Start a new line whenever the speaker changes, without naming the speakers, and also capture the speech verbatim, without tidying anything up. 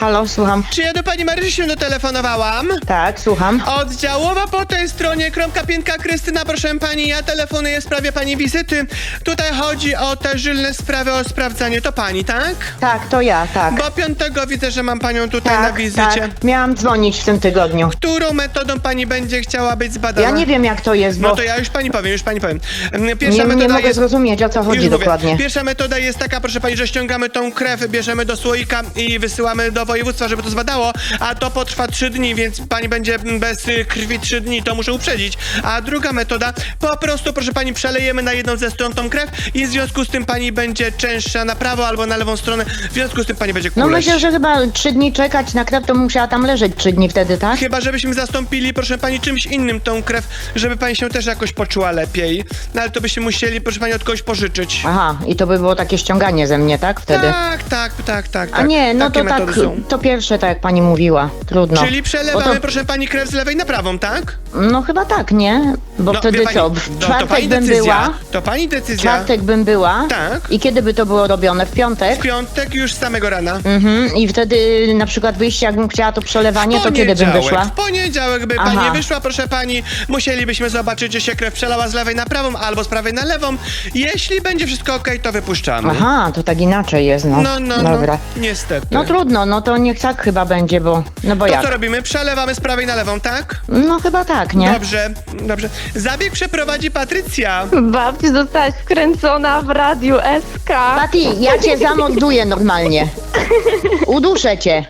Halo, słucham.
Czy ja do pani Marysi się dotelefonowałam?
Tak, słucham.
Oddziałowa po tej stronie, kromka piętka Krystyna, proszę pani, ja telefonuję w sprawie pani wizyty. Tutaj chodzi o te żylne sprawy, o sprawdzanie. To pani, tak?
Tak, to ja, tak.
Bo piątego widzę, że mam panią tutaj na
Tak,
wizycie.
tak. Miałam dzwonić w tym tygodniu.
Którą metodą pani będzie chciała być zbadana?
Ja nie wiem, jak to jest, bo
No to ja już pani powiem, już pani powiem. Pierwsza
nie, nie
metoda
mogę
jest...
zrozumieć, o co
Już
chodzi
mówię.
dokładnie.
Pierwsza metoda jest taka, proszę pani, że ściągamy tą krew, bierzemy do słoika i wysyłamy do województwa, żeby to zbadało, a to potrwa trzy dni, więc pani będzie bez y, krwi trzy dni, to muszę uprzedzić. A druga metoda, po prostu, proszę pani, przelejemy na jedną ze stron tą krew i w związku z tym pani będzie częstsza na prawo albo na lewą stronę, w związku z tym pani będzie
No
kuleć.
myślę, że chyba trzy dni czekać na krew, to musiała tam leżeć trzy dni wtedy, tak?
Chyba, żebyśmy zastąpili, proszę pani, czymś innym tą krew, żeby pani się też jakoś poczuła lepiej. No ale to byśmy musieli, proszę pani, od kogoś pożyczyć.
Aha, i to by było takie ściąganie ze mnie, tak? Wtedy?
Tak, tak, tak, tak.
A
tak.
nie, no
Takie
to tak,
metody są.
to pierwsze, tak jak pani mówiła. Trudno.
Czyli przelewamy,
Bo to-
proszę pani, krew z lewej na prawą, tak?
No chyba tak, nie? Bo
No,
wtedy
wie pani,
co?
no,
W
to
czwartek
pani
bym
decyzja.
była.
To pani decyzja.
czwartek bym była.
Tak.
I kiedy by to było robione? W piątek?
W piątek już z samego rana.
Mhm. I wtedy na przykład wyjście, jakbym chciała to przelewanie, to kiedy bym
Poniedziałek.
wyszła?
W poniedziałek by
Aha.
pani wyszła, proszę pani. Musielibyśmy zobaczyć, czy się krew przelała z lewej na prawą albo z prawej na lewą. Jeśli będzie wszystko okej, to wypuszczamy.
Aha, to tak inaczej jest, no.
No, no,
Dobra.
no. Niestety.
No trudno, no to niech tak chyba będzie, bo... No bo
To
jak?
co robimy? Przelewamy z prawej na lewą, tak?
No chyba tak, nie?
Dobrze, dobrze. Zabieg przeprowadzi Patrycja.
Babci zostałaś wkręcona w radiu S K.
Pati, ja cię zamorduję normalnie. Uduszę cię.